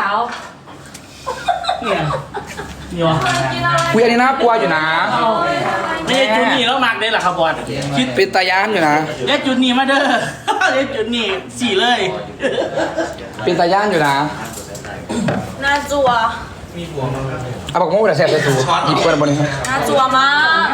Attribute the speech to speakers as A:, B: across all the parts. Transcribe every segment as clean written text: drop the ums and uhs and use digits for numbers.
A: าว
B: เนี่ย
C: คุยอันนี้น่ากลัวอยู่นะ
B: ไม่ใช่จุดนี้แล้วมากเลยเหรอครับบอลคิด
C: เป็นตายานอยู่นะ
B: เรียกจุดนี้มาเด้อเรียกจุดนี้สี่เลย
C: เป็นตายานอยู่นะ
A: น่าจัว
C: เอาบอกโม่แต่แสบจะถูหยิบกันบนนี้ครับ
A: น่าจัวมาก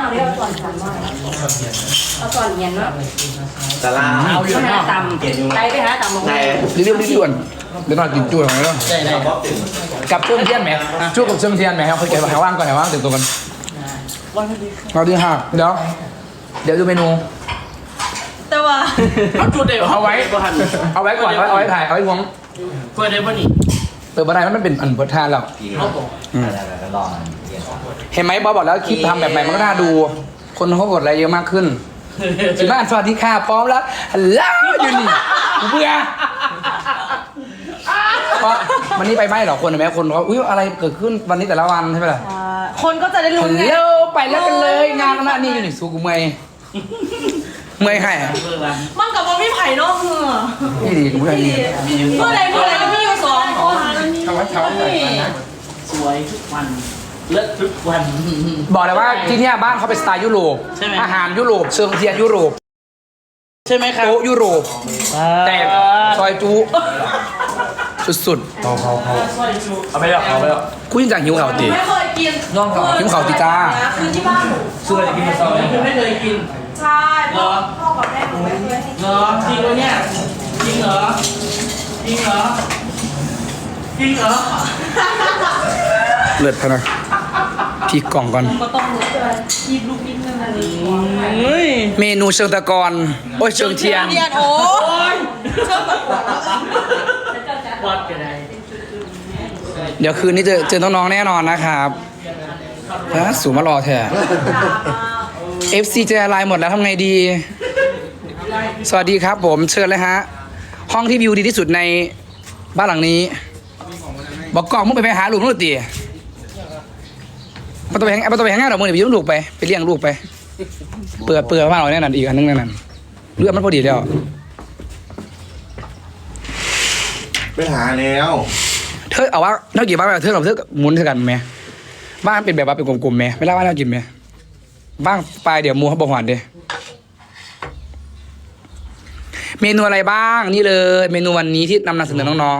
D: เอาก่อนเย็นเนาะ
E: ตลาด
B: เอาอยู่
D: หา
B: เนาะ
D: ตำไปหาตำลง
E: ไหน
C: รีบด่วนเดี๋ยวนอนกินจุ้ยของเรา
B: ได้ได้
C: กับช่วงเที่ยงไหมช่วงกับช่วงเที่ยงไหมครับเขาเก็บไว้ว่างก่อนว่างตื่นตัวกัน
B: วันดี
C: เราดีค่ะเดี๋ยวดูเมนู
A: แต่ว่า
B: เอาจุดเดียว
C: เอาไว้
B: ก่อน
C: เอาไว้ก่อนเอาไว้ถ่ายเอาไว้วง
B: เปิดได้ป่ะนี่
C: เปิดบันไดมันเป็นอันเปิดทานแล้ว
B: เขาบอก
E: ลอง
C: เห็นไหมบอสบอกแล้วคลิปทำแบบใหม่มันก็น่าดู คนเขากดอะไรเยอะมากขึ้นสิบ้านสวัสดีค่ะพร้อมแล้วฮัลโหลอยู่นี่เบื่อเพราะวันนี้ไปไหมหรอคนเห็นไหมคนเขาอุ้ยอะไรเกิดขึ้นวันนี้แต่ละวันใช่ไหมล่ะ
A: คนก็จะได้รู้
C: ฮัล
A: ไง
C: โหลไปแล้วกันเลยงานนั้นนี่อยู่นี่สู้กูเมื่อยให้
A: มันกับว่าพี่ไผ่เนาะ
C: นี่ดีกูไม่ดี
A: เมื่อไรก็มีอยู่สองคน
C: ทำไว้เช้าหน่อยนะ
B: สวยทุกวันเลิศทุกวัน
C: บอกเลยว่าที่เนี่ยบ้านเขาเป็นสไตล์ยุโรป
B: ใช่ไหม
C: อาหารยุโรปเชิงเทียนยุโรป
B: ใช่ไหมครับ
C: โต๊ะยุโรปแต่ซอยจุสุด
E: เอาไปแล้วเอาไปแล้ว
C: ๆกูยังจากหิวข่าวตี
A: ไม่เคยกิน
E: น้องเขา
C: หิวข่าวตีจ้า
A: คือที่บ้านหนู
E: ซื้ออะไรกินมาซ้อม
B: คือไม่เคยกิน
A: ใช่พ่อกับแม่หนูไม่เคยให้
B: เหรอจริงเหรอเนี่ยจริงเหรอจริงเหรอจริงเหรอ
C: เลิศพะนะพี่กล่องก่อน
A: ก็ต้องรู้ด้วยยิบลูกนิดนึงอะไร
B: เฮ้ย
C: เมนูเชิงตะกอนโอ้ยเชิงเทียน
A: เทียนโอ้ยเชื่อแบบ
B: วัดกันได้
C: เดี๋ยวคืนนี้เจอน้องๆแน่นอนนะครับนะสูงมารอแท้ FC เจอไลน์หมดแล้วทำไงดี สวัสดีครับผมเชิญเลยฮะ ห้องที่วิวดีที่สุดในบ้านหลังนี้ บอกกล้องมึงไปหาลูกนู่นตีมันต้องไปหางานหรอกมึงเดี๋ยวไปยืมลูกไปเลี้ยงลูกไป เปิดบ้านเราแน่นอนอีกอันนึงแน่นอนเลือดมันพอดีแล้ว
E: ไปหาแล้ว
C: เธอเอาว่าเท่ากี่บ้านเธอกับเธอหมุนเท่ากันไหมบ้านเป็นแบบว่าเป็นกลมๆไหมไม่เล่าว่าเรากินไหมบ้างปลายเดี๋ยวมูเขาบอกหวานเด้เมนูอะไรบ้างนี่เลยเมนูวันนี้ที่นำเสนอน้อง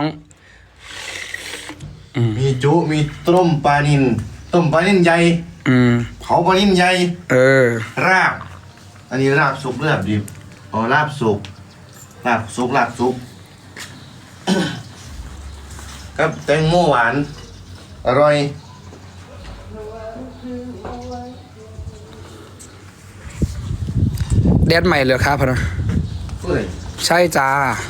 C: ๆ
E: มีจุมีต้มปลานินต้มปลานินใหญ่ เผาปลานินใหญ่ ราบ อันนี้ราบสุกราบดิบอ๋อราบสุกราบสุกราบสุก กับแตงโมหวาน อร่อย
C: แดดใหม่เลยครับพะนะ
E: ผู้ใด
C: ใช่จ้า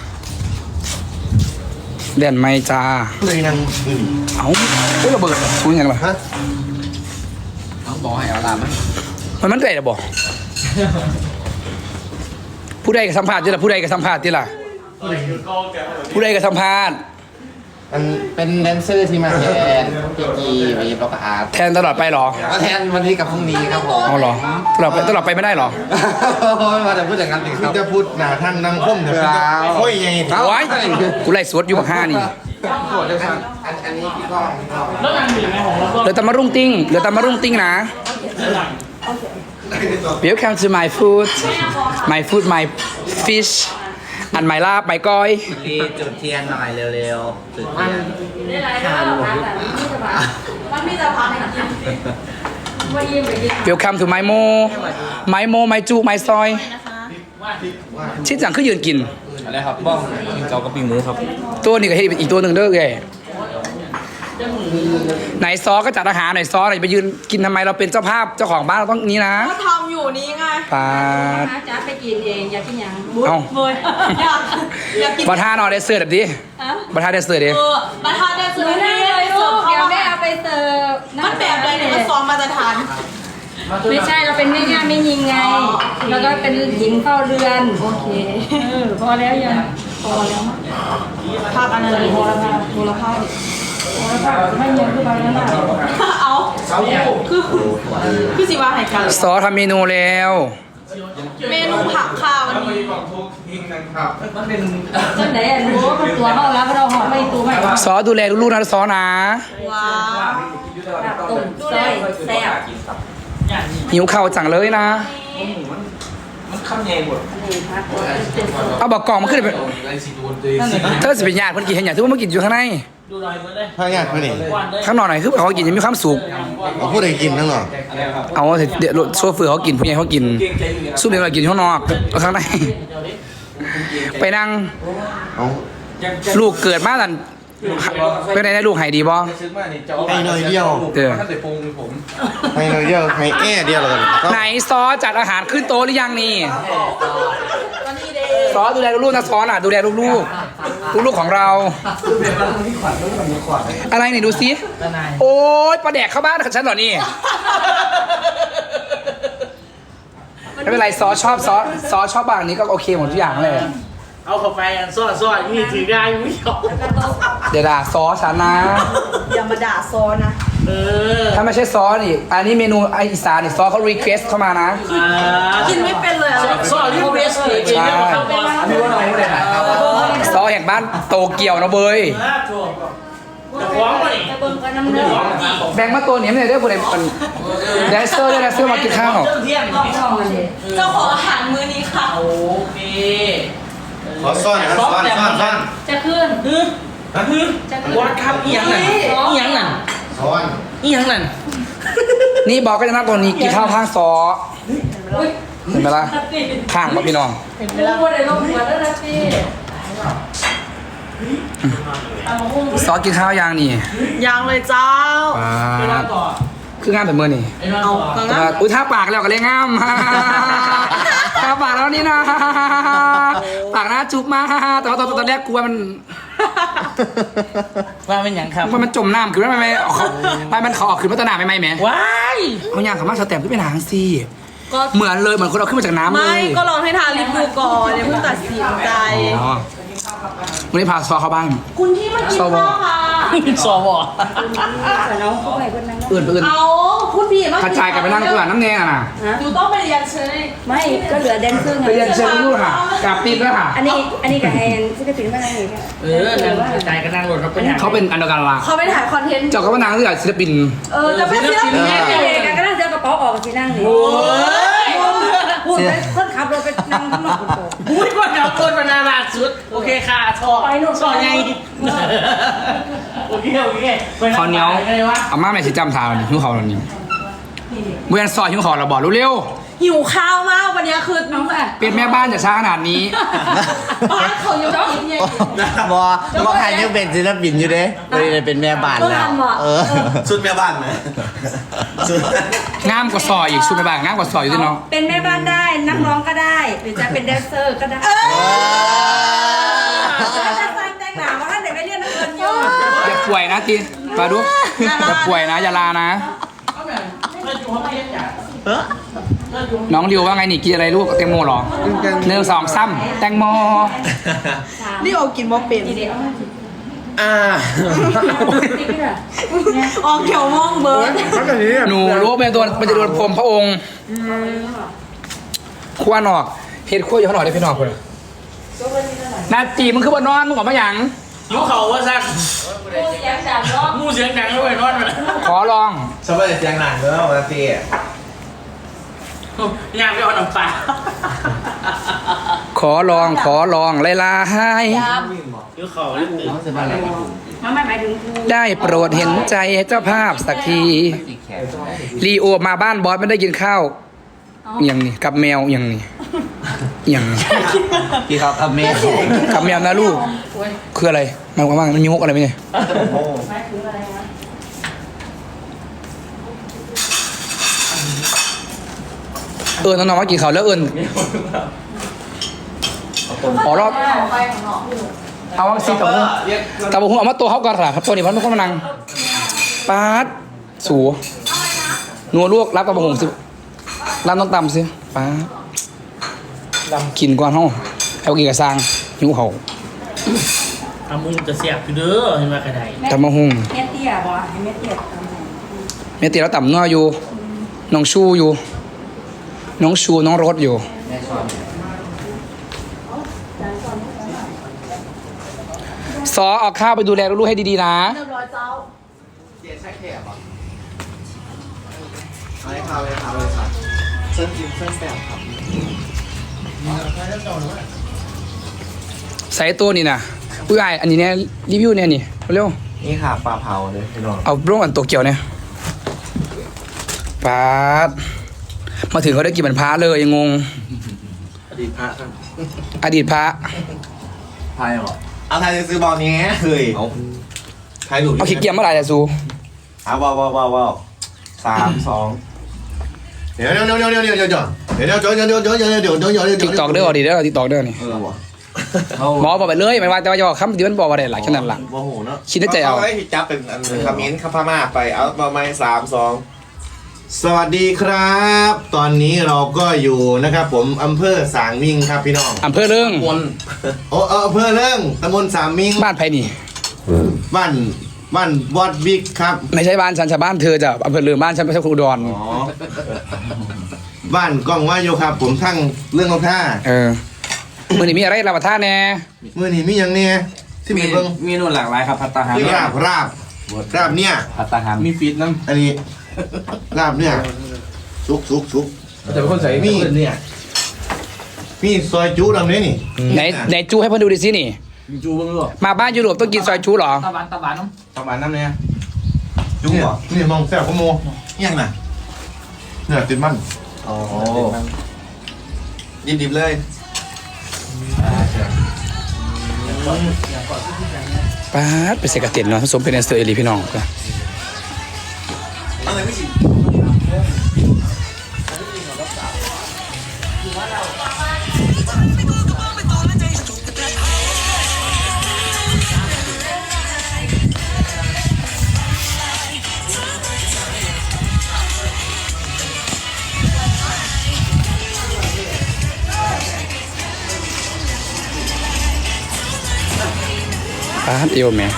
C: แดดใหม่จ้า
E: ผู้ใดนั่งอยู่นี่
C: เอาเฮ้ยระเบิดคุยยังไงล่ะ
E: ฮะ
C: บอกให้เอาลามมันเกิดอะบอกผู้ใดกับสัมภาษณ์ที่ละผู้ใดกับสัมภาษณ์ที่ละผู้ใดกับสัมภาษณ์
E: อัน
F: เป็นแดนเซอร์ที่มาแทนพีกีวีบล็อกอาร์ต
C: แทนตลอดไปเหรอ
F: มาแทนวันนี้กับพรุ่งนี้ครับผม
C: เอาเหรอตลอดไปไม่ได้เหรอ
F: มาแต่พูดอย่างนั้นสิค
E: คือ
F: รับ
E: จะพูดหนาท่านนั่งคมเดี๋ยว
F: ครับ
E: ค่อยยังไง
C: โอ้ยกูไล่สวดอยู่กับห้านี่
F: อันนี้พี่ก้อง
B: แล้วนางอยู่ไหมของเราก็
C: เหลือแต่มารุ่งติ้งนะ Welcome to my food my fish and my ลาบ my ก้อย
F: รีจุดเทียนหน่อยเร็วๆจุดเทียน
A: ได้ไรทานหมดมันมีแต่พักว่ายิ้มไปกิน
C: Welcome to my mo myจู my ซอยชิ้นจังคือยืนกิน
F: อะไรครับบ้องเกากับปีหมูครับ
C: ตัวนี้ก็ให้อีกตัวหนึ่งเด้อไงไหนซอก็จัดอาหารไหนซอไหนไปยืนกินทำไมเราเป็นเจ้าภาพเจ้าของบ้านเราต้องนี้นะ
A: ก็ทำอยู่นี่ไง
C: ปาด
D: จ้าไปกินเองอยากกินยัง
C: เอ้า
A: เฮ้ยอยากกิน
C: ประธานเอาได้เสิร์ฟแบบดิประธานได้เสิร์ฟดิ
A: มาทานได้สุด
D: ไม่ได้เลยลูกเดี๋ยวแม่เอาไปเสิร์ฟ
A: มันแบบใดเนี่ยมันซ้อมมาตรฐาน
D: ไม่ใช่เราเป็นแม่ย่าไม่ยิงไง แล้วก็เป็นหญิงเฝ้าเรือน โอเคพอแล้วยังพอแล้วมั้ง
A: ภาพอันนั้นเลย
D: พอแล้วค่ะพอแล้วค่ะพอแล้วค่ะไม่ยังคือไปแล้วนะ
A: เอาคือสิว่าให้กัน
C: ซอทำเมนูแล้ว
A: เมนูผักค่ะวันนี้
F: มันเป็น
D: จังไหนอ่ะรู้ว่าตัวเขาแล้วเราห่อไม่ตัวไม่
C: ซอดูแลลูกๆนะซอนะ
A: ว้าวตุ่มดูเลยแซ่บ
B: อย่างนี้
C: หิวข้าวจังเลยนะ
B: มันข้ามแยงหมด
C: เอาบอกกล่องมาขึ้นไปเธอสิเป็นญาติเพิ่นกินเห็นอย่างที่ว่ามากินอยู่ข้างใน
B: ดูหน่อยมาเลย
E: พายากไปนี่
B: วันเลย
C: ข้างนอกหน่อยคือเขากินยังมีความสุข
E: เอาพูดให้กินทั้งหมด
C: เอาเดี๋ยวโซเฟอร์เขากินผู้ใหญ่เขากินซุปเด็กเรากินข้างนอกข้างในไปนั่ง
E: เอา
C: ลูกเกิดมาตันเป็นไงได้ลูกหายดีบ่
E: ให้หน่อยเดียว
C: เออ
E: ให้หน่อยเดียวให้แอ่เดียวแล้วกันก็
C: ไหนซอจัดอาหารขึ้นโต๊ะหรือยังนี่ซอดูแลลูกๆนะซอน่ะดูแลลูกๆลูกๆของเรา อะไรนี่ดูสิโอ๊ยปลาแดกเข้าบ้านของฉันเหรอนี่ไม่เป็นไรซอชอบซอชอบบางนี้ก็โอเคหมดทุกอย่างเลย
B: เอาเข้าไปอันซ้อนนี่ถือได้ไม่ยอม
C: เดี๋ยวด่าซอฉันนะ
A: อย่ามาด่าโซนะ
C: ถ้าไม่ใช่ซอนี่อันนี้เมนูไออีสานนี่ซอเขารีเควสเข้ามานะ
A: กินไม่เป็นเลยอะ
B: ซ้อนที่เวสเลยจริงๆเขาบอก
C: ซอแห่งบ้านโตเกียวนะเบย
B: จะฟ้องมาดิ
D: เบิ่งกันน้ำเนื้อ
C: แบ่งมาตัวเหนียวเนี่ยได้ผู้ใดเป็นแดนเซอร์ด้วยแดนเซอร์มากินข้าว
B: เรื่องเที่ยง
A: เจ้าของอาหารมื้อนี้ค่ะ
B: โอเค
E: ขอซ่อนครับซ่อน
D: จะขึ้น
B: วัดครับอีหยังนั่นอีหยังนั่น
E: ซ่อน
B: อีหยังนั่น
C: นี่บอกก็จะนั่งตัวนี้กินข้าวข้างซอเห็นไหมล่ะข้างป่ะพี่น้อง
D: รู้ว่าได้ลงหัวแล้วนะพี่
C: ซอกินข้าวยังนี่
A: ยังเลยเจ้า
B: ไปนั่งต่อ
C: คืองามแต่เมื่อนี่
B: ไปนั่งต่อ
C: แต่ว่าอุ้ยท่าปากแล้วก็เลยงามท่าปากแล้วนี่นะปากหน้าจุกมากแต่ว่าตอนแรกกลัวมัน
B: ว่าเป็นอย่างครับ
C: ว่ามันจมน้ำคือว่าไม่ออกเขาไม่มันเขาออกขึ้นมาตะหนาไม่ไหมแหม
B: ว้าย
C: เขาย่างสามารถสแตมขึ้นไปหนังสิ
A: ก็
C: เหมือนเลยเหมือนคนเอาขึ้นมาจากน้ำเล
A: ไม่
C: ย
A: ก็ลองให้ทาลิปดูก่อนอย่าเพิ่งตัดสินใจ
C: อ๋อวันนี้พาซอเข้าบ้าน
A: คุณที่มากินข้าวค่ะ
B: สว
D: แต่น้องเขาไปคนนั้น
C: อื่น
A: เอาคุณพี่มาก
C: ระจายกันไปนั่งตัวน้ำแดงอ่ะนะ
A: ดูต้องไปเรียนเชย
D: ไม่ก็เหลือแดนเซอร์ไง
C: ไปเรียนเชิญลูกค่ะกลับปีนแล้วค่ะ
D: อันนี้กับแฮนที่จะถึงมาอะไรอย่างเงี้ย
B: นั่งกระจายกันนั่งรถเราเป็นอย่าง
C: เขาเป็นอันเดียวกันละ
A: เขาไปถ่ายคอนเทนต์
C: เจ้าก็ว่านางเรื่องศิลปิน
A: จะเป็นศิลปิน
D: แม่เด็กก็นั่งเจอกระเป๋าออกที่นั่งนี่พูดไปคนขับรถไปนั่งข้างนอกคนโต
B: พูดว่าเดี๋ยวคนมานาลาดสุดโอเคค่ะชอชอไงโอเค
C: เขาเหนียวอาม่าแม่สิจำทางหิวเขาแล้วนี่เมื่อซอยหิวเขาเราบอกเร็ว
A: หิวข้าวมากวันนี้คือน้องแบบ
C: ๆเป็นแม่บ้านอย่าช้าขนาดนี้
A: บ้านเขาอยู่กินไง
F: บอใครยังเป็นศิลปินอยู่เด้เลยเป็นแม่บ้านแล้วสุดแม่บ้านไหม
C: งามกว่าซอยอีกชุดแม่บ้านงามกว่าซอยอยู่ที่น้อง
D: เป็นแม่บ้านได้นักร้องก็ได้ หรือจะเป็นแดนเซอร์ก็ได้จะสร้างแต่งหนาว่าถ้าเด็กไม่เรียนนักเรียนเยอะ
C: อย่าป่วยนะทีมาดูอย่าป่วยนะอย่าลานะ น้องริวว่าไงนี่กินอะไรลูกแตงโมเหรอ1 2 3แตงโม
A: นี่เอากินบ่เป็น ออกเขียวม่วงเบิร์ด
C: หนูรู้ว่าเป็นตัวมันจะโดนพรมพระองค์ขั้วนอกเฮ็ดขั้วอยู่ข้างนอกได้พี่นอกคนนาจีมึงคือบนนอนมึงออกมาหยัง
B: ยุเขาว่าสักมูเสียงดังด้วยนอนไปเลย
C: ขอลอง
F: ชอบไปเสียงหนังด้วยวันที่
B: อยากไปเอาน้ำปลา
C: ขอลองไล่ลาให้
B: ยุเขาเล่นตื่น
D: มันหมายถึงครู
C: ได้โปรดเห็นใจเจ้าภาพสักทีลีโอมาบ้านบอสไม่ได้กินข้าวอย่างนี้กับแมวอย่างนี้อย่างนี้
F: ที่เขาทำเมฆ
C: กับแมวนะลูกคืออะไรมันว่ามันมีมุกอะไรไหมเนี่ยน้องๆมากินข้าวแล้วอ๋อรอบเอาวังซีกับมุ้งแต่บุ้งเอามาตัวเขาก่อนครับตัวนี้มันไม่ค่อยมานั่งปาดสูนัวลวกรับกับบุ้งสิรับต้องตำสิปาดกินก่อนห้องเอากินกับซางหิวเขา
B: ทำมุงจะเสียบคือเด้อเห็นว่ากระได
C: ตำมะฮุ่ง
D: แม่เตี้ยบอกให้แม่เตี้ยทำให้
C: เมียตีแล้วต่ำนัวอยู่น้องชูอยู่น้องชูน้องรถอยู่ซอเอาข้าวไปดูแลลูกๆให้ดีๆนะ
A: เรียบร้อยเจ้า
F: เจ๊ใช่แขกเหรอเอาเลยครับเลยครับเลยครับเส้นจิ้มเส้นแปบครับ
C: ใส่ตัวนี่นะอุ้ยไออันนี้เนี่ยรีวิวเนี่ยนี่เร็ว
F: นี่ค่ะปลาเผาเลยพี่น้อง
C: เอาร่วงอันโตเกียวเนี่ยปาดมาถึงเขาได้กินเหมือนพระเลยยังงง
F: อดีตพระครับ
C: อดีตพระ
F: ไทยเหรอเอาไทยจะซื้อบอลนี้เฮ้ยเอาไทยหลุด
C: เอาขี้เกียจเมื่อไหร่จะซู
F: เอาว้าว3-2
E: เดี๋ยว
C: ติ๊กตอกเด้อดีเด้อติ๊กตอกเด้อนี่
F: วะ
C: หมอบอกไปเลยไม่ว่าแต่ว่าจะบอกคำเดียวมันบอกว่าได้หลายขนาดหลัง
F: โมโหเนาะ
C: คิดในใจเอา
F: ไว้จับเป็นอันคำมิ้นคำพม่าไปเอาประมาณ3-2
E: สวัสดีครับ ตอนนี้เราก็อยู่นะครับผมอำเภอสางมิงครับพี่น้อง
C: อำเภอเรื่อง
E: โอ้อำเภอเรื่องตำบลสางมิง
C: บ้านไผ่นี่
E: บ้านวอดบิ๊กครับ
C: ไม่ใช่บ้านฉันชาวบ้านเธอจะอำเภอเรื่องบ้านฉันไม่ใช่อุดร
E: อ๋อบ้านกล้องว่าอยู่ครับ ผมทั้งเรื่องของท่า
C: มือนี่มีอะไรรับประทานแน่
E: มือนี่มีอย่างเนี้ยที่มีเบิ้ง
F: มีนู่นหลากหลายครับพัตตาหาร
E: ราบเนี่ย
F: พัตตาหารมีฟีดน้ำ
E: อันนี้ราบเนี่ยซุก
F: แต่เป็นคนใส่มีเนี่ย
E: มีซอยจุดำนี้นี่
C: ไหนจูให้เพื่อนดูดิสินี่
F: จูบ้างหรือเปล่า
C: มาบ้านยุโรปต้องกินซอยจูเหรอ
B: ตะวันน้ำ
F: ประมาณนั้นเนี่ยจุ
E: เนี่ย
F: เหรอ
E: นี่มองแซ่บขโมย
F: ยังน่ะ
E: เนี่ยติดมัน
F: อ๋อดิบๆเลย
C: ป้าดไปเสกเต็นเนาะผสมเป็นแอนเซอร์เอลีพี่น้อง
F: อะไรไม่กิน
C: ป้าดเอวแม่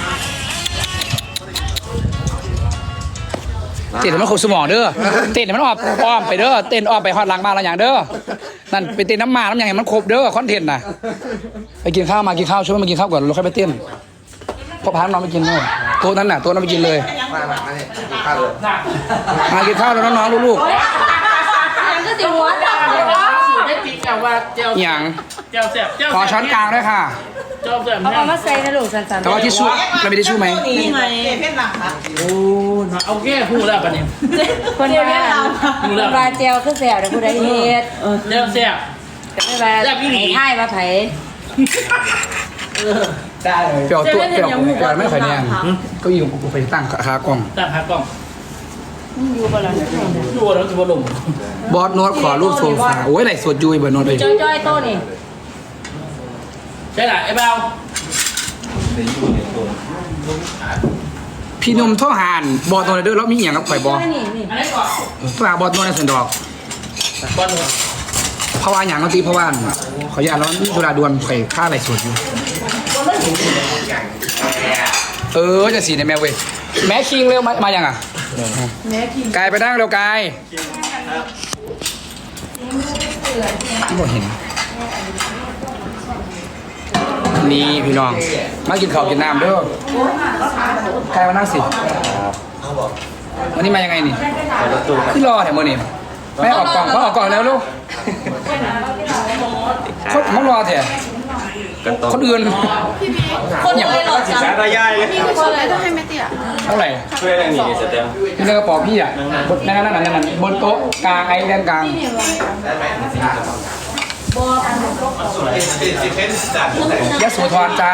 C: เต้นให้มันครบสมองเด้อเต้นให้มันอ้อมไปเด้อเต้นอ้อมไปฮอดหลังบ้านเราอย่างเด้อนั่นไปเต้นน้ำอย่างให้มันครบเด้อคอนเทนต์น่ะไปกินข้าวมากินข้าวช่วยมากินข้าวก่อนเราค่อยไปเต้นพอพาน้องไปกินเลยโต๊ะนั้นน่ะโต๊ะนั้นไปกินเลย
F: มาเนี่ยข้าวเลย
C: มากินข้าวแล้วน้องๆลูก
D: ยังก็สิหัวจับเลย
B: ได้ติ๊กแต่ว่าเจ้า
C: ๆอย่าง
B: เจ้าแสบเจ้า
C: ขอช้อนกลางด้วยค่ะ
B: เจ้าแสบ
D: เอามาใส่นะลูกสันๆ
C: แต่ว่าทิชชู่เรามีทิชชู่ไหม
A: นี่ไง
B: โอ้เอาแก้พูดแล้วปะเนี่ย
D: คนว่าคนว่าเจลคือแสบเดี๋ยวผู้ใดเฮ็ด
B: เจ้าแสบ
D: ไม่ว่าไอ้ให้มาไผ
F: ได้เลย
C: เปรี้ยวตัวเปรี้ยวกูก่อนไม่ค่อยแน่ก็ยิงกูไปตั้งคากล้อง
B: ตั้งหากล้อง
D: อยู่บ่ล่ะ
B: ดูแล้วจะบอลม
C: บอสโน้ตขอรูปโซฟาโอ้ยไหนสวดยุยเบอร์โน้ตไป
D: จ้อยๆโตนี่
B: ใช่ไหมไอ้เบล
C: พี่นมท่อหานบอสโน้ตเด้อแล้วมีอย่างกับข่อยบอส
D: นี่
B: อันนี้ก่อน
C: ฝากบอสโน้ตในสันดอก
B: บอล
C: เพราะว่าอย่างก็ตีเพราะว่าขออย่าตแล้วนี่เวลาดวนข่อยค่าอะไรสวดอยู่จะสีในแมวเว้ยแม่คิงเร็วมาอย่างอ่ะกายไปนั่งเร็วกายที่บอกเห็นนี่พี่น้องมากินข้าวกินน้ำเด้อกายมานั่งสิวันนี้มายังไงนี่ขึ้นรอแถวมือนี่ไม่ออกกล่องเขาออกกล่องแล้วลูกเขารอแถวคนอื่น
A: คนเลยหรอจ๊ะ
F: ตายายเลย
A: มีคนเลยต้องให้แม่เตี้ย
C: เท่าไหร่
F: ช่วยอะไรนี่สเต็ม
C: นี่เรื่องกระเป๋าพี่อ่ะนั่นบนโต๊ะกลางไอ้ด้านกลางยะโสธรจ้า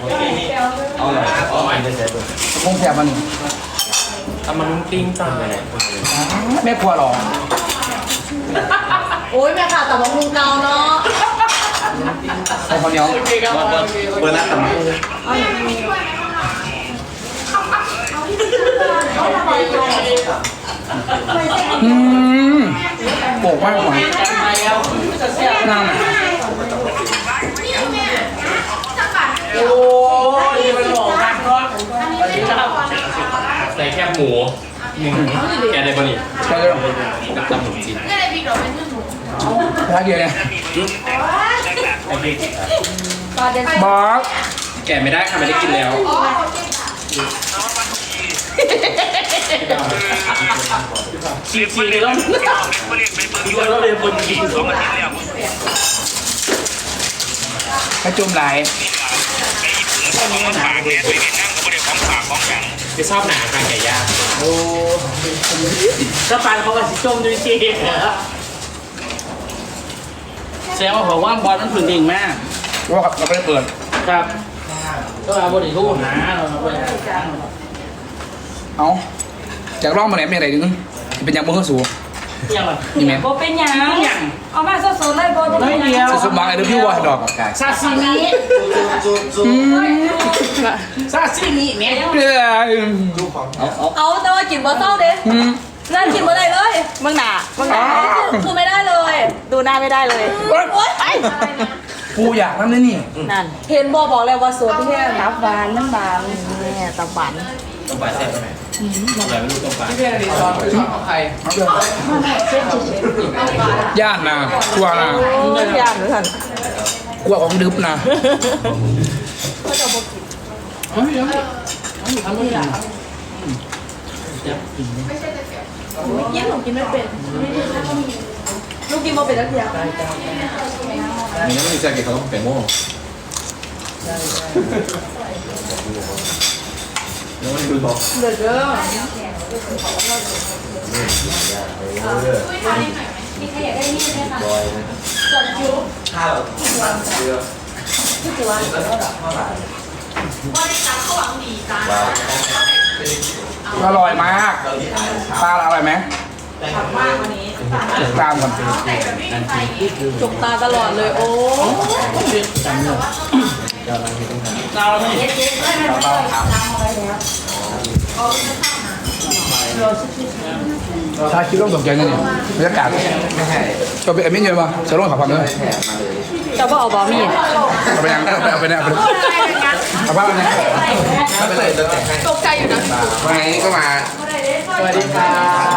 C: คงแถบมัน
F: เอามันติ้งจ้าไปไหน
C: แม่ครัวหรอ
A: โอ้ยแม่ค่ะแต่ว่ามุงเกาเนาะ
C: ใส่ข้าวเหนียว
F: เปิดร้านทำไม
C: โปกมากกว่าน้ำ
B: โอ้ยมันหลอกกันเนาะใส่แคบหมูแกได้ปะนี่
C: ใช่เลย
B: กับตำหมูจีน
C: รักเดียวเนี่ย
D: ตอนเดิน
C: บอส
B: แกะไม่ได้ค่ะไม่ได้กินแล้วฉีกๆแล้วเราเรียนคนกิน2 อาทิตย์แล้ว
C: กระจุ่มไหล
B: ไปชอบหนาทางไก่ย่างโอ้ก็ฟันเขาก็สิจมด้วยชีแสดงว่าผมว่าบอลมันผึ่งเองมาก
C: ว่าเราไม่ได้เปิด
B: ครับก็เอาบริทูหนาเราไป
C: เอาจากร่องมาไหนไม่อะไรดึงเป็นยังบุ้งสูง
B: ยังไง
C: นี่ไหม
D: โบเป็นหยัง
B: ยัง
D: เอามาสดๆเลยโบจะเป็นห
B: ไม่เดี
D: ยั
B: ยว
D: ง
C: สุดบางไอ้เรื่องพี่ว่าดอก
B: ซาซิมิซาซิมิเนี่ย
A: เอาแต่ว่ากินบะเศร้าเด้นั่นกินบ่ได้เลยมึงหนาคือไม่ได้เลย ดูหน้าไม่ได้เลยโอ๊ยไป
C: ปูอยากทำได้นี่
A: นั่นเห็นบอกเลยว่าสวนที่นี่ตับหวานน้ำบางเนี่ยตับหวาน
B: ต้มปลาแซ่บไหมอะไรไม่รู้ต้มปลา
C: ย่านนะกลัวนะ
A: ยากเหมือนกัน
C: กลัวของดึบนะ
A: ยิ่งหนูกินไม่เป็นลูกกินมาเป็นแล้วเดียว
B: มีน้ำมันจะกินเขาต้องเป็นโม่แล้วมันดูบอก
A: เดือดเด้อ
D: มีใครอยากได้นี่ไหมคะ
C: อร่อยมากปลาอร่อยไหมตามก่อน
A: จุกตาตลอดเลยโอ้
B: เราไม่
C: ถ้าคิดต้องตกใจนั่นนี่บรรยากาศจะไปเอ็มมี่เยอะป่ะจะลงขับความเลย
A: จะบอกบอมี่
C: เอาไปยังเอาไปเนี่ยเอาบ้านเนี่ยเอาไปเลย
A: ตกใจอยู่นะ
C: วันนี้ก็มา
B: สวัสดีค่ะ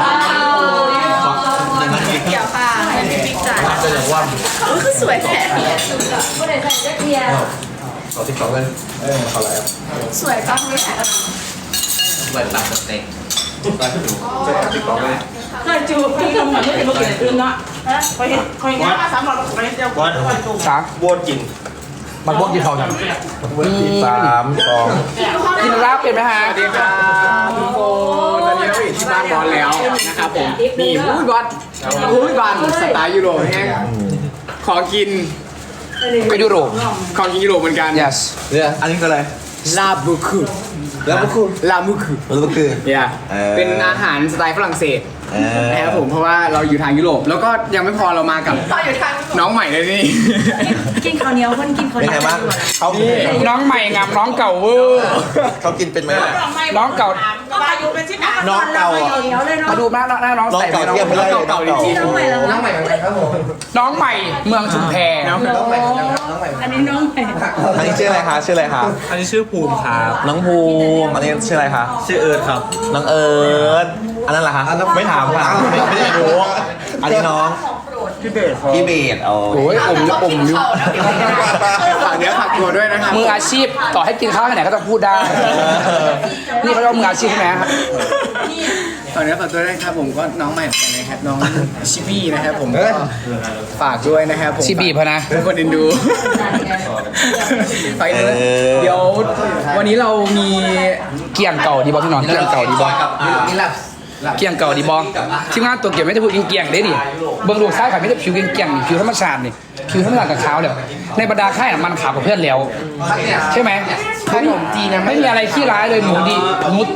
A: เกี่ยวค่ะให้พี่ปิ๊กจ่ายคือสวยแท้
D: ก็เลยใส่เสื้อเทียร์
E: ขอที่2เลยขออะไร
A: สวยจังเลย
B: เปิดปากสเต็ก
E: ที่2เลย
B: ใช่จูพี่ทำเหมือนไม่เป็นคนอื่นเนาะคอยงานมา3 รอบไปเจ้าวัด
C: สาม
E: โบดกิน
C: มันพวกกี่ทองกัน
E: 3 2
C: กินลาบเป็นไหมฮะ
B: สวัสดีครับทุกคนตอนนี้เราอยู่ที่บ้านบอลแล้วนะครับผมนี่อุ้ยบอลอุ้ยบอลสไตล์ยุโรปแห้งของกิน
C: ก็ยุโรป
B: ของกินยุโรปเหมือนกัน
C: yes
E: เนี่ยอันนี้คืออะไร
B: ลาบุคุ
E: แล้วก็คือ
B: ลาบุคุ
E: แล้วก็คือ
B: เนี่ยเป็นอาหารสไตล์ฝรั่งเศสนะครับผมเพราะว่าเราอยู่ทางยุโรปแล้วก็ยังไม่พอเรามากับน้องใหม่เลยนี่
A: กินข้าวเหนียวคนกินข้าวเห
E: เป็น
A: นี
E: ไง
A: ยว
E: บ้างเขา
C: น้องใหม่งามน้องเก่าเวอร์
E: เขากินเป็นไหม
C: น้องเก่า
E: น้องเก่าอ่ะ
A: เหนียวเลยเนาะ
C: มาดูหน้าน้อง
E: น้อง
C: ใส่
E: เก่าเทียบไม่ได้น้องเก่า
A: น้องใหม่แล้ว
C: น้องใหม่เหมือนกันครับผมน้องใหม่เมืองชุมแพ
B: น้อง
A: อันนี้น้องใหม่
E: อันนี้ชื่ออะไรคะชื่ออะไรคะ
B: อันนี้ชื่อภูมิครับ
E: น้องภูมิอันนี้ชื่ออะไรคะชื่อเอิร์ธครับน้องเอิร์ธอันนั้นเหรอคะไม่ถามค่ะไม่ได้รู้อันนี้น้องพี่เบสเอา
C: โอ้ยอมอยู่
B: ฝากเนื้อฝากตัวด้วยนะครับ
C: มืออาชีพต่อให้กินข้าวที่ไหนก็จะพูดได้ นี่เขาเรียกว่ามืออาชีพใช่ไหมครับ
B: ฝากเนื้อฝากตัวด้วยนะครับผมก็น้องใหม่เหมือนกันนะครับน้องชิบี้นะครับผมก็ฝากด้วยนะครับผม
C: ชิบีพะนะ
B: ทุกคนเอ็นดูฝากด้วยเดี๋ยววันนี้เรามี
C: เกี่ยงเก่าดีบอพี่น้องเกี่ยงเก่าดีบอ
E: นี่แหละ
C: เกี่ยงเก่าดีบอทีมงานตัวเกี่ยวไม่ได้พูดเกี่ยงได้ดิเบื้องลูกซ้ายขาไม่ได้ผิวเกี่ยงผิวธรรมชาตินี่ผิวธรรมชาติกับขาวเลยในบรรดาค่ายมันขาวกับเพื่อนแล้วใช่ไหมขนมจีนไม่มีอะไรขี้ร้ายเลยหนูดีหนู